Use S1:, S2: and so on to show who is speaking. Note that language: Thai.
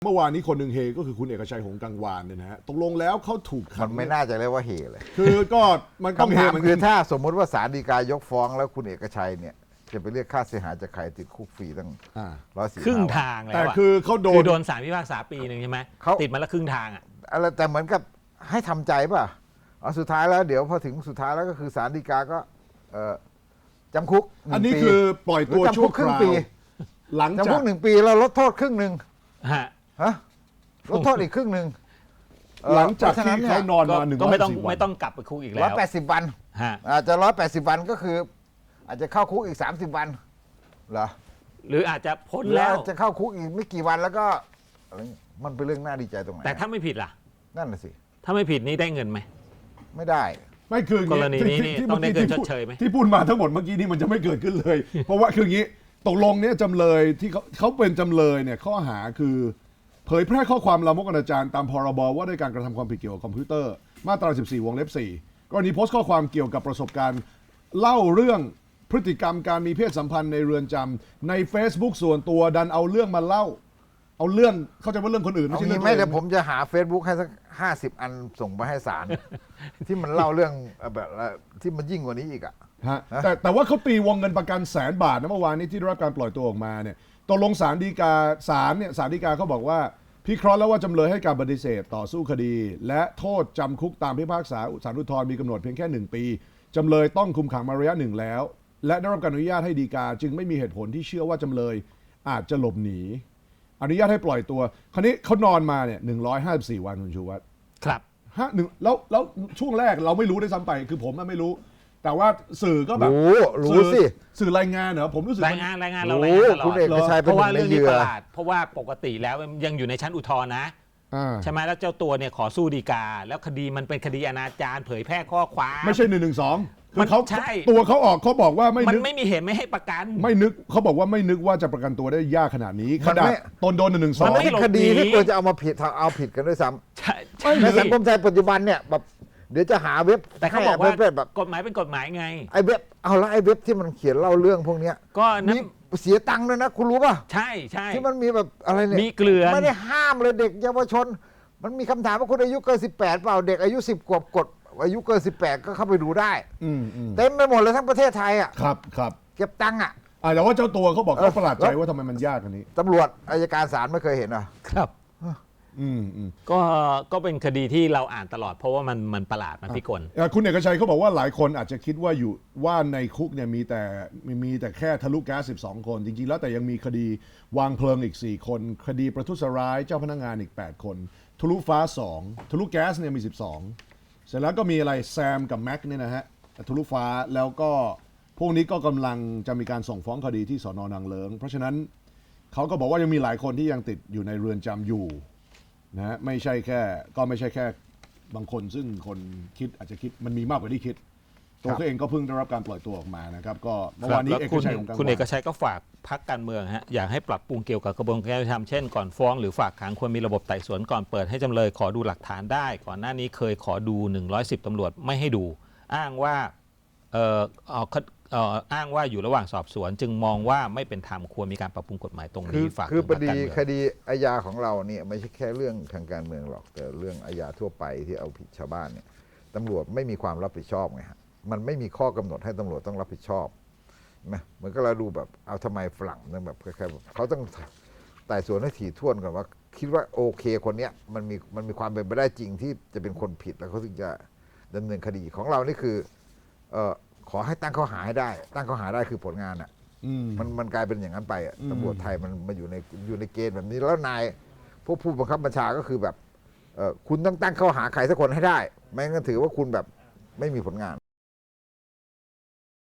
S1: เมื่อวานนี้คนหนึ่งเฮก็คือคุณเอกชัยหงส์กังวานเนี่ยนะฮะตกลงแล้วเขาถูกขั
S2: มัน ไม่น่าจะเรียกว่าเฮเลย
S1: คือก็มันต้องเฮ
S2: คำถาม
S1: มัน
S2: คือถ้าสมมติว่าศาลฎีกายกฟ้องแล้วคุณเอกชัยเนี่ยจะไปเรียกค่าเสียหายจากใครติดคุกฟรีตั้ง140
S3: ครึ่ง
S2: วัน
S3: ทางแล้ว
S1: แต่
S3: อะ
S1: คือเขาโด
S3: คื
S1: น
S3: อโดนศาลพิพากษาปีหนึ่งใช่ไหมติดมาแล้วครึ่งทางอ่ะ
S2: อะไรแต่เหมือนกับให้ทำใจป่ะสุดท้ายแล้วเดี๋ยวพอถึงสุดท้ายแล้วก็คือศาลฎีกาก็จำคุก1
S1: อันนี้
S2: ปี
S1: คือปล่อยตัว
S2: หรือจำคุ
S1: ชั่ว
S2: ก
S1: ค
S2: ครึ่ง
S1: ราว
S2: ปี
S1: หลัง
S2: จำ
S1: จา
S2: คุ
S1: ก
S2: ก1 ปีแล้วลดโทษครึ่งหนึ่ง
S3: ฮะ
S2: ฮะลดโทษอีกครึ่งหนึ่ง
S1: หลังจากที่เขานอนมา
S3: ก็ไม่ต้อง
S1: 140 วัน
S3: ไม่ต้องกลับไปคุกอีกแล้
S2: ร้อยว 80 วัน
S3: ฮะ
S2: อาจจะ180 วันก็คือ อาจจะเข้าคุกอีก30 วันเหรอ
S3: หรืออาจจะพ้น
S2: หรือ
S3: แล้ว
S2: อาจจะเข้าคุกอีกไม่กี่วันแล้วก็อะไรเงี้ยมันเป็นเรื่องน่าดีใจตรงไหน
S3: แต่ถ้าไม่ผิดล่ะ
S2: นั่นน่ะสิ
S3: ถ้าไม่ผิดนี่ได้เงินไหม
S2: ไม่ได้
S1: ไม่คืออย่าง
S3: กรณีนี้นี่
S1: ที่
S3: ต้องได้เงิน
S1: ที่
S3: ชดเชยไหม
S1: ที่พูดมาทั้งหมดเมื่อกี้นี่มันจะไม่เกิดขึ้นเลย เพราะว่าคืออย่างนี้ตกลงเนี่ยจำเลยที่เขาเป็นจำเลยเนี่ยข้อหาคือเผยแพร่ข้อความลามกอนาจารตามพรบว่าด้วยการกระทำความผิดเกี่ยวกับคอมพิวเตอร์มาตรา 14 วงเล็บ 4 กรณีโพสต์ข้อความเกี่ยวกับประสบการณ์เล่าเรื่องพฤติกรรมการมีเพศสัมพันธ์ในเรือนจำใน Facebook ส่วนตัวดันเอาเรื่องมาเล่า เอาเรื่องเข้าใจว่าเรื่องคนอื่นไม่
S2: เอา
S1: ใช่เรื่
S2: งี้
S1: อง
S2: ไหม่
S1: ตัวเอง
S2: เดี๋ยวผมจะหา Facebook ให้สัก50 อันส่งไปให้ศาล ที่มันเล่าเรื่องแบบที่มันยิ่งกว่านี้อีกอ่ะ
S1: ฮะแต่ว่าเขาตีวงเงินประกัน100,000 บาทนะเมื่อวานนี้ที่ได้รับการปล่อยตัวออกมาเนี่ยตกลงศาลฎีกาศาลฎีกาเขาบอกว่าพิเคราะห์แล้วว่าจำเลยให้การปฏิเสธต่อสู้คดี และโทษจำคุกตามพิพากษาศาลอุทธรณ์มีกำหนดเพียงแค่ 1 ปีจำเลยต้องคุมขังมาระยะหนึ่งแล้ว และได้รับการอนุญาตให้ฎีกาจึงไม่มีเหตุผลที่เชื่อว่าจำเลยอาจจะหลบหนีอนุญาตให้ปล่อยตัวคราวนี้เขานอนมาเนี่ย154 วันคุณชูวัฒน์
S3: ครับ
S1: แล้วช่วงแรกเราไม่รู้ด้วยซ้ำไปคือผมไม่รู้ แต่ว่าสื่อก็แบบ
S2: รู้สิ
S1: สื่อรายงานเหรอผมรู้สึก
S3: ราย
S1: มัน
S3: งานเรา
S2: รู้
S3: รายงานตลอ
S2: คุณ
S3: ด
S2: เอกชัย
S3: เพ
S2: เป็น
S3: ราะ
S2: ห
S3: ว่า
S2: นึ่งใน
S3: เรื่อง
S2: เห
S3: นี้
S2: ยื่
S3: ป
S2: อ
S3: ระหลาดเพราะว่าปกติแล้วยังอยู่ในชั้นอุทธรณ์นะใช่ไหมแล้วเจ้าตัวเนี่ยขอสู้ฎีกา แล้วคดีมันเป็นคดีอนาจารเผยแพร่ข้อความ
S1: ไม่ใช่112คือเขา
S3: ใช่
S1: ตัวเขาออกเขาบอกว่าไม่
S3: มัน
S1: นึก
S3: ไม่มีเหตุไม่ให้ประกัน
S1: ไม่นึกเขาบอกว่าไม่นึกว่าจะประกันตัวได้ยากขนาดนี้ขนาดตนโดน
S3: มัน
S2: มัน
S3: ไม่
S1: 112
S2: เป็นคดีที่ควรจะเอามาผิดเอาผิดกันด้วยซ้
S3: ใช่
S2: ำในสังคมไทยปัจจุบันเนี่ยแบบเดี๋ยวจะหาเว็บ
S3: แต่เขาบอกว่า
S2: ให้แบบ
S3: กฎหมายเป็นกฎหมายไง
S2: ไอ้เว็บเอาละไอ้เว็บที่มันเขียนเล่าเรื่องพวกเนี้ย
S3: ก็นั้
S2: มี
S3: น
S2: เสียตังค์ด้วยนะคุณรู้ป่ะ
S3: ใช่ใช่
S2: ที่มันมีแบบอะไรเนี่ย
S3: มีเกลือน
S2: ไม่ได้ห้ามเลยเด็กเยาวชน มันมีคำถามว่าคุณอายุเกิน18เปล่าเด็กอายุ10 ขวบกดอายุเกิน18ก็เข้าไปดูได้
S1: อืม
S2: เต็มไปหมดเลยทั้งประเทศไทยอ่ะ
S1: ครับ
S2: เก็บตังค์อ่ะ
S1: แต่ว่าเจ้าตัวเขาบอกเขาประหลาดใจ
S2: แล้ว
S1: ว่าทำไมมันยากอันนี้
S2: ตำรวจอัยการศาลไม่เคยเห็นอ่ะ
S3: ครับ
S1: อืม
S3: ก็เป็นคดีที่เราอ่านตลอดเพราะว่ามันประหลาดมันพิกล
S1: คุณเอกชัยเขาบอกว่าหลายคนอาจจะคิดว่าในคุกเนี่ยมีแต่แค่ทะลุแก๊ส12 คนจริงๆแล้วแต่ยังมีคดีวางเพลิงอีก4 คนคดีประทุษร้ายเจ้าพนักงานอีก8 คนทะลุฟ้า2ทะลุแก๊สเนี่ยมี12เสร็จแล้วก็มีอะไรแซมกับแม็กเนี่ยนะฮะทะลุฟ้าแล้วก็พวกนี้ก็กำลังจะมีการส่งฟ้องคดีที่สน.นางเลิ้งเพราะฉะนั้นเขาก็บอกว่ายังมีหลายคนที่ยังติดอยู่ในเรือนจำอยู่นะฮะไม่ใช่แค่บางคนซึ่งคนคิดอาจจะคิดมันมีมากกว่าที่คิดตัวเขาเองก็เพิ่งได้รับการปล่อยตัวออกมานะครับก็เมื่อวานนี้
S3: แล้ว
S1: เอกชัยของกังวาน
S3: คุณเอกชัยก็ฝากพักการเมืองฮะอยากให้ปรับปรุงเกี่ยวกับกระบวนการยุติธรรมเช่นก่อนฟ้องหรือฝากขังควรมีระบบไต่สวนก่อนเปิดให้จำเลยขอดูหลักฐานได้ ก่อนหน้านี้เคยขอดู110ตำรวจไม่ให้ดู อ้างว่าอ้างว่าอยู่ระหว่างสอบสวน จึงมองว่าไม่เป็นธรรมควรมีการปรับปรุงกฎหมายตรงนี้ฝาก
S2: คือ
S3: ถึง
S2: ค
S3: พรรค
S2: ดี
S3: การเมือง
S2: คดีอาญาของเราเนี่ยไม่ใช่แค่เรื่องทางการเมืองหรอกแต่เรื่องอาญาทั่วไปที่เอาผิดชาวบ้านเนี่ยตำรวจไม่มีความรับผิดชอบไงฮะมันไม่มีข้อกำหนดให้ตำรวจต้องรับผิดชอบนะเหมือนก็เราดูแบบเอาทำไมฝรั่งเนี่ยแบบคล้ายๆแบบเขาต้องไต่สวนให้ถี่ถ้วนก่อนว่าคิดว่าโอเคคนเนี้ยมันมีความเป็นไปได้จริงที่จะเป็นคนผิดแล้วเขาถึงจะดำเนินคดีของเรานี่คือขอให้ตั้งข้อหาให้ได้ตั้งข้อหาได้คือผลงานอ่ะมันกลายเป็นอย่างนั้นไปอ่ะตำรวจไทยมันมาอยู่ในเกณฑ์แบบนี้แล้วนายพวกผู้บังคับบัญชาก็คือแบบคุณต้องตั้งข้อหาใครสักคนให้ได้ไม่งั้นถือว่าคุณแบบไม่มีผลงาน